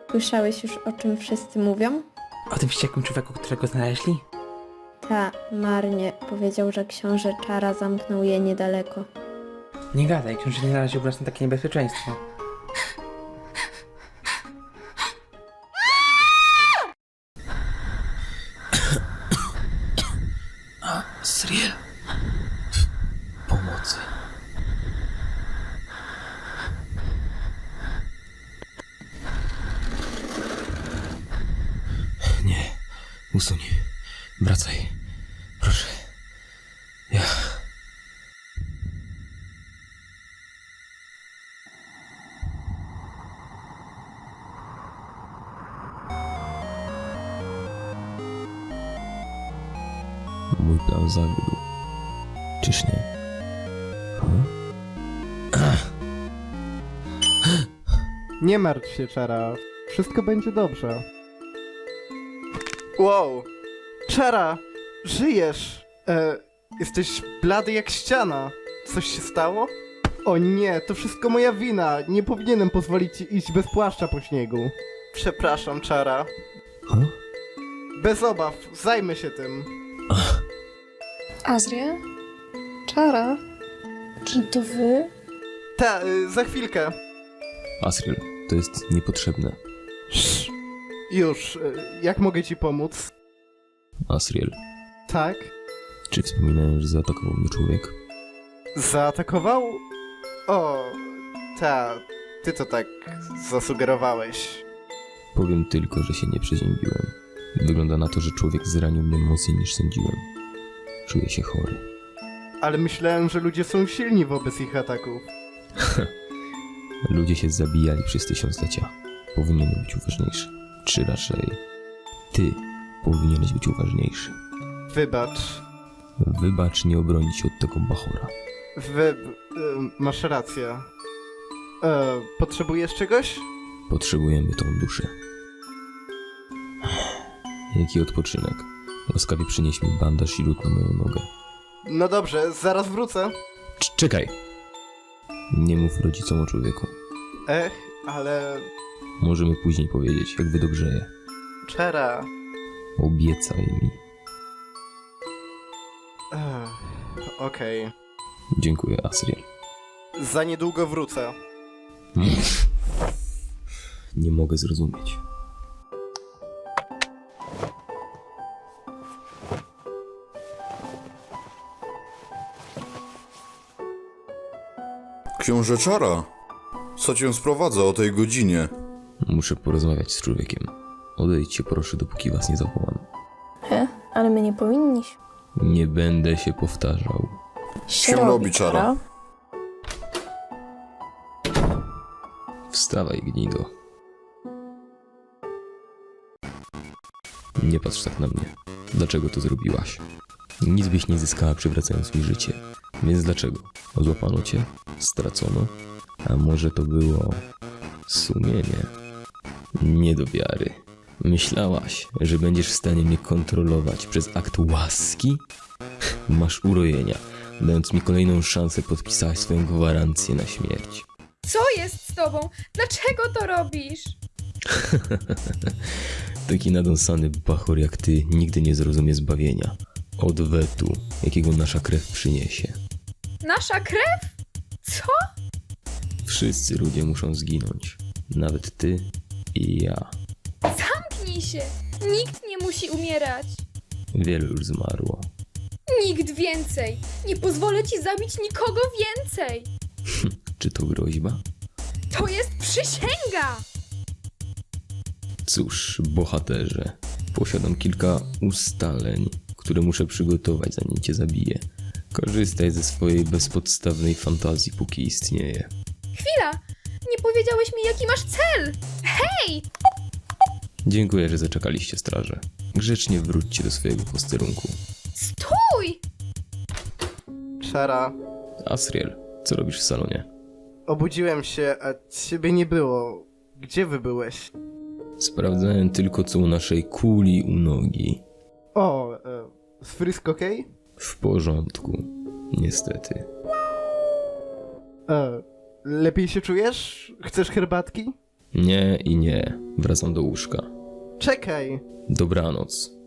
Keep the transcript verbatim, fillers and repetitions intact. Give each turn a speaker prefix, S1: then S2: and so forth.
S1: Słyszałeś już, o czym wszyscy mówią?
S2: O tym wściekłym człowieku, którego znaleźli?
S1: Ta, marnie. Powiedział, że książę Czara zamknął je niedaleko.
S2: Nie gadaj, książę nie naraził nas na takie niebezpieczeństwo. Asriel. Pomocy. Nie. Usuń. Wracaj. Proszę. Ja... Mój plan zawiódł. Czyż nie? Hmm?
S3: Nie martw się, Czara. Wszystko będzie dobrze. Wow! Czara! Żyjesz! E, jesteś blady jak ściana. Coś się stało? O nie, to wszystko moja wina. Nie powinienem pozwolić ci iść bez płaszcza po śniegu. Przepraszam, Czara.
S2: Hmm?
S3: Bez obaw, zajmę się tym.
S4: Azria? Czara? Czy to wy?
S3: Ta, y, za chwilkę.
S5: Asriel, to jest niepotrzebne.
S3: Sz. Już, y, jak mogę ci pomóc?
S5: Asriel,
S3: Tak?
S5: czy wspominałem, że zaatakował mnie człowiek?
S3: Zaatakował? O, ta, ty to tak zasugerowałeś.
S5: Powiem tylko, że się nie przeziębiłem. Wygląda na to, że człowiek zranił mnie mocniej niż sądziłem. Czuję się chory.
S3: Ale myślałem, że ludzie są silni wobec ich ataków.
S5: Ludzie się zabijali przez tysiąclecia. Powinienem być uważniejszy. Czy raczej ty powinieneś być uważniejszy.
S3: Wybacz.
S5: Wybacz, nie obronić się od tego bachora.
S3: Wy... Y, masz rację. E, potrzebujesz czegoś?
S5: Potrzebujemy tą duszę. Jaki odpoczynek. Łaskawie przynieś mi bandaż i lód na moją nogę.
S3: No dobrze, zaraz wrócę.
S5: Cz- czekaj! Nie mów rodzicom o człowieku.
S3: Ech, ale...
S5: Możemy później powiedzieć, jak wydobrzeje.
S3: Czera...
S5: Obiecaj mi.
S3: Ech, okej.
S5: Dziękuję, Asriel.
S3: Za niedługo wrócę.
S5: Nie mogę zrozumieć.
S6: Książę Czara? Co cię sprowadza o tej godzinie?
S5: Muszę porozmawiać z człowiekiem. Odejdźcie proszę, dopóki was nie zawołam.
S4: He? Ale my nie powinniśmy.
S5: Nie będę się powtarzał.
S4: Się
S6: robi, Czara.
S5: Wstawaj, gnido. Nie patrz tak na mnie. Dlaczego to zrobiłaś? Nic byś nie zyskała, przywracając mi życie. Więc dlaczego? Złapano cię? Stracono? A może to było... sumienie? Nie do wiary. Myślałaś, że będziesz w stanie mnie kontrolować przez akt łaski? Masz urojenia. Dając mi kolejną szansę, podpisałaś swoją gwarancję na śmierć.
S7: Co jest z tobą? Dlaczego to robisz?
S5: Taki nadąsany bachor jak ty nigdy nie zrozumie zbawienia. Odwetu, jakiego nasza krew przyniesie.
S7: Nasza krew? Co?
S5: Wszyscy ludzie muszą zginąć. Nawet ty i ja.
S7: Zamknij się! Nikt nie musi umierać!
S5: Wielu już zmarło.
S7: Nikt więcej! Nie pozwolę ci zabić nikogo więcej!
S5: Czy to groźba?
S7: To jest przysięga!
S5: Cóż, bohaterze, posiadam kilka ustaleń, które muszę przygotować, zanim cię zabiję. Korzystaj ze swojej bezpodstawnej fantazji, póki istnieje.
S7: Chwila! Nie powiedziałeś mi, jaki masz cel! Hej!
S5: Dziękuję, że zaczekaliście, straże. Grzecznie wróćcie do swojego posterunku.
S7: Stój!
S3: Czara...
S5: Asriel, co robisz w salonie?
S3: Obudziłem się, a ciebie nie było. Gdzie wy byłeś?
S5: Sprawdzałem tylko, co u naszej kuli u nogi.
S3: O, e, z Frisk okej?
S5: W porządku, niestety.
S3: E, lepiej się czujesz? Chcesz herbatki?
S5: Nie i nie. Wracam do łóżka.
S3: Czekaj!
S5: Dobranoc.